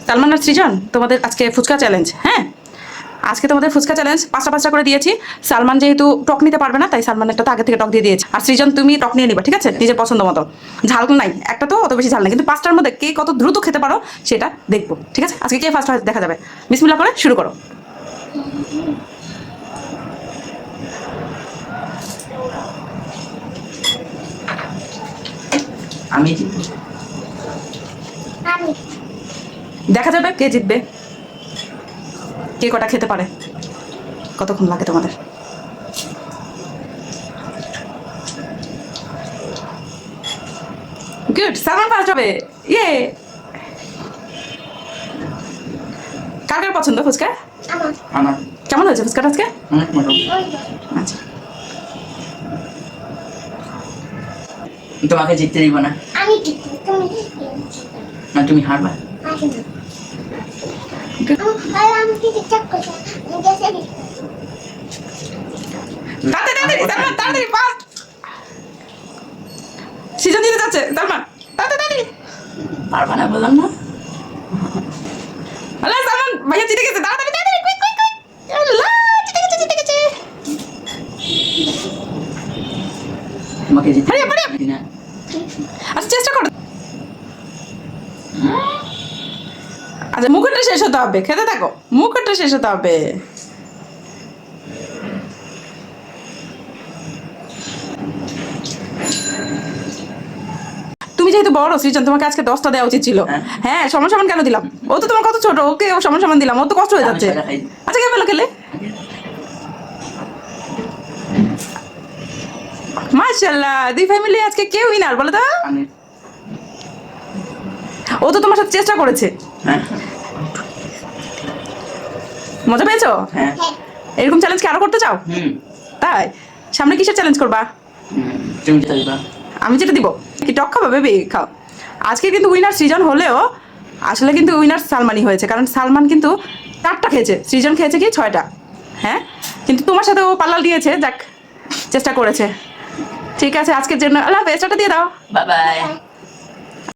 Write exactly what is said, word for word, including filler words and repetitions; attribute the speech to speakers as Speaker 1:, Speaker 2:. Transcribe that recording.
Speaker 1: সালমান আর সৃজন তোমাদের আজকে ফুচকা চ্যালেঞ্জ। হ্যাঁ, আজকে তোমাদের ফুচকা চ্যালেঞ্জ পাঁচটা পাঁচটা করে দিয়েছি। সালমান যেহেতু টক নিতে পারবে না, তাই সালমান একটা তো আগে থেকে টক দিয়ে দিয়েছে। আর সৃজন তুমি টক নিয়ে নিবা, ঠিক আছে, নিজের পছন্দ মতো। ঝাল নাই, একটা তো অত বেশি ঝাল নাই, কিন্তু পাঁচটার মধ্যে কে কত দ্রুত খেতে পারো সেটা দেখবো, ঠিক আছে। আজকে কে ফার্স্ট হয় দেখা যাবে। বিসমিল্লাহ করে শুরু করো।
Speaker 2: আমি
Speaker 1: দেখা যাবে কে জিতবে, কে কটা খেতে পারে। কতক্ষণ লাগে তোমাদের? গুড, সালমান ফার্স্ট হবে। ইয়ে, কার কার পছন্দ ফুচকা?
Speaker 2: আমার
Speaker 1: কেমন হয়েছে ফুচকাটা আজকে?
Speaker 2: অনেক মজা।
Speaker 1: আচ্ছা,
Speaker 2: তোমাকে জিততে দিব না,
Speaker 3: আমি জিতবো, তুমি
Speaker 2: না তুমি হারবা।
Speaker 3: আর আমি কি চেক করছি আমি গেছে
Speaker 1: তাড়াতাড়ি তাড়াতাড়ি সালমান, তাড়াতাড়ি ফাস্ট। সিজন দিতে যাচ্ছে সালমান, তাড়াতাড়ি।
Speaker 2: পারবা না বললাম না।
Speaker 1: আল্লাহ, সালমান ভাইয়া জিতে গেছে, তাড়াতাড়ি তাড়াতাড়ি, কুইক কুইক কুইক। আল্লাহ, জিতে গেছে জিতে গেছে।
Speaker 2: তোমাকে জিততে
Speaker 1: হারিয়ে, হারিয়ে।
Speaker 2: পারি না।
Speaker 1: আচ্ছা, চেষ্টা করো। আচ্ছা, মুখটা শেষ হতে হবে, খেতে থাকো, মুখটা শেষ হতে হবে। তুমি যেহেতু বড় সৃজন, তোমাকে আজকে দশটা দেওয়া উচিত ছিল।
Speaker 2: হ্যাঁ।
Speaker 1: হ্যাঁ, সমান সমান কেন দিলাম? ও তো তোমার কত ছোট, ওকে ও সমান সমান দিলাম, ও তো কষ্ট হয়ে
Speaker 2: আমি
Speaker 1: যাচ্ছে।
Speaker 2: সেটা খাই।
Speaker 1: আচ্ছা, কে পেলো খেলে? মাশাআল্লাহ, দুই ফ্যামিলি আজকে কে উইনার বলো তো?
Speaker 2: আমি
Speaker 1: ও তো তোমার সাথে চেষ্টা করেছে।
Speaker 2: হ্যাঁ
Speaker 1: মজা পেয়েছো?
Speaker 2: হ্যাঁ
Speaker 1: এরকম চ্যালেঞ্জ কি আরো করতে চাও?
Speaker 2: হুম
Speaker 1: তাই সামনে কিসের চ্যালেঞ্জ করবা?
Speaker 2: হুম, তুমি যেতে দিবা।
Speaker 1: আমি যেটা দিব কি টক খাবা বেবি? খাও। আজকে কিন্তু উইনার সৃজন হলেও আসলে কিন্তু উইনার সালমানই হয়েছে, কারণ সালমান কিন্তু চারটা খেয়েছে, সৃজন খেয়েছে কি ছয়টা। হ্যাঁ, কিন্তু তোমার সাথে ও পাল্লা দিয়েছে, যাক চেষ্টা করেছে। ঠিক আছে, আজকের জন্য আল্লাহ হাফেজ, টাটা দিয়ে দাও।
Speaker 2: Bye by.